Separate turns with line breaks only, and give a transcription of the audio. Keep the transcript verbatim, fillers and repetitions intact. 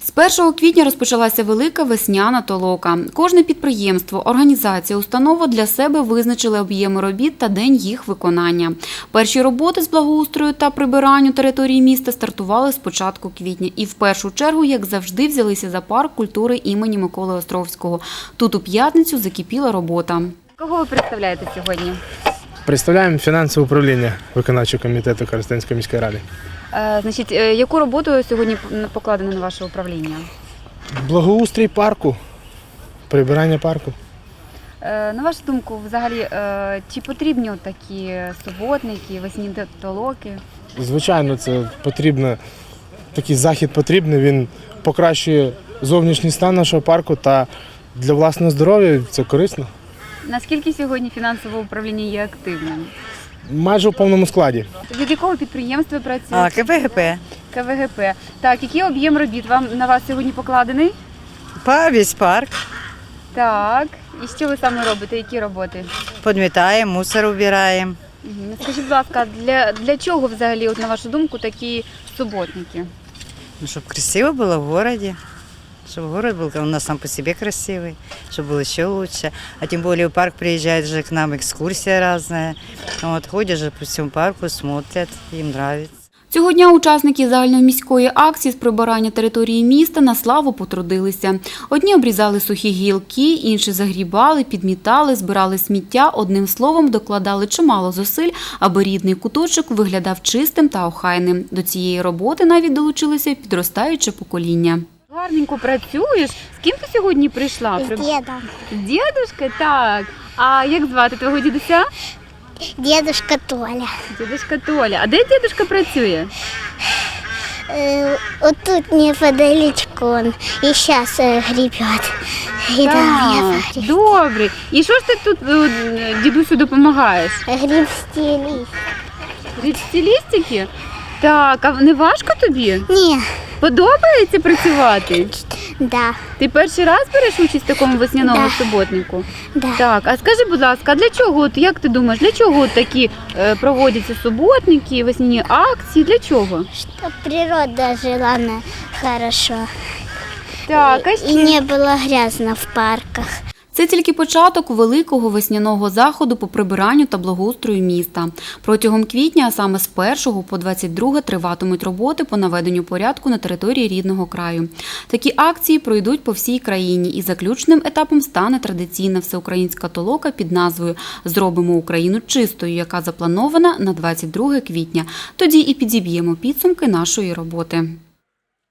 З першого квітня розпочалася велика весняна толока. Кожне підприємство, організація, установа для себе визначили об'єми робіт та день їх виконання. Перші роботи з благоустрою та прибиранню території міста стартували з початку квітня. І в першу чергу, як завжди, взялися за парк культури імені Миколи Островського. Тут у п'ятницю закипіла робота. Кого ви представляєте сьогодні?
Представляємо фінансове управління виконавчого комітету Коростенської міської ради.
Значить, яку роботу сьогодні покладено на ваше управління?
Благоустрій парку, прибирання парку.
На вашу думку, взагалі, чи потрібні такі суботники, весняні толоки?
Звичайно, це потрібно, такий захід потрібний, він покращує зовнішній стан нашого парку та для власного здоров'я це корисно.
Наскільки сьогодні фінансове управління є активним?
Майже у повному складі.
Від якого підприємства працюєте?
А, КВГП.
КВГП. Так, який об'єм робіт вам на вас сьогодні покладений?
Па весь парк.
Так. І що ви саме робите? Які роботи?
Підмітаємо, мусор убираємо.
Угу. Скажіть, будь ласка, для, для чого взагалі, от, на вашу думку, такі суботники?
Ну, щоб красиво було в місті. Чтобы город был у нас сам по себе красивый, чтобы было еще лучше. А тем более в парк приезжает же к нам экскурсия разная. Вот, ходят же по всему парку, смотрят, им нравится.
Цього дня учасники загальноміської акції з прибирання території міста на славу потрудилися. Одні обрізали сухі гілки, інші загрібали, підмітали, збирали сміття. Одним словом, докладали чимало зусиль, аби рідний куточок виглядав чистим та охайним. До цієї роботи навіть долучилося підростаюче покоління. Гарненько працюєш. З ким ти сьогодні прийшла?
З дідом.
З дідушкою? Так. А як звати твого дідуся?
Дедушка Толя.
Дідушка Толя. А де дідушка працює?
Э, вот тут неподалечку он и сейчас э, гребет. И да, я
Так, добре. І що ж ти тут е, дідусю допомагаєш?
гребсти лист.
Грибсті лістики? Так, а не важко тобі?
Не,
Подобається працювати?
да,
Ти перший раз береш участь в такому весняному
Да.
суботнику?
да.
Так, а скажи, будь ласка, а для чого, от, як ти думаєш, для чого от такі е, проводяться суботники, весняні акції, для чого?
Чтоб природа жила на хорошо.
Так, а
И
ще?
не было грязно в парках.
Це тільки початок великого весняного заходу по прибиранню та благоустрою міста. Протягом квітня, а саме з першого по двадцять друге, триватимуть роботи по наведенню порядку на території рідного краю. Такі акції пройдуть по всій країні, і заключним етапом стане традиційна всеукраїнська толока під назвою «Зробимо Україну чистою», яка запланована на двадцять друге квітня. Тоді і підіб'ємо підсумки нашої роботи.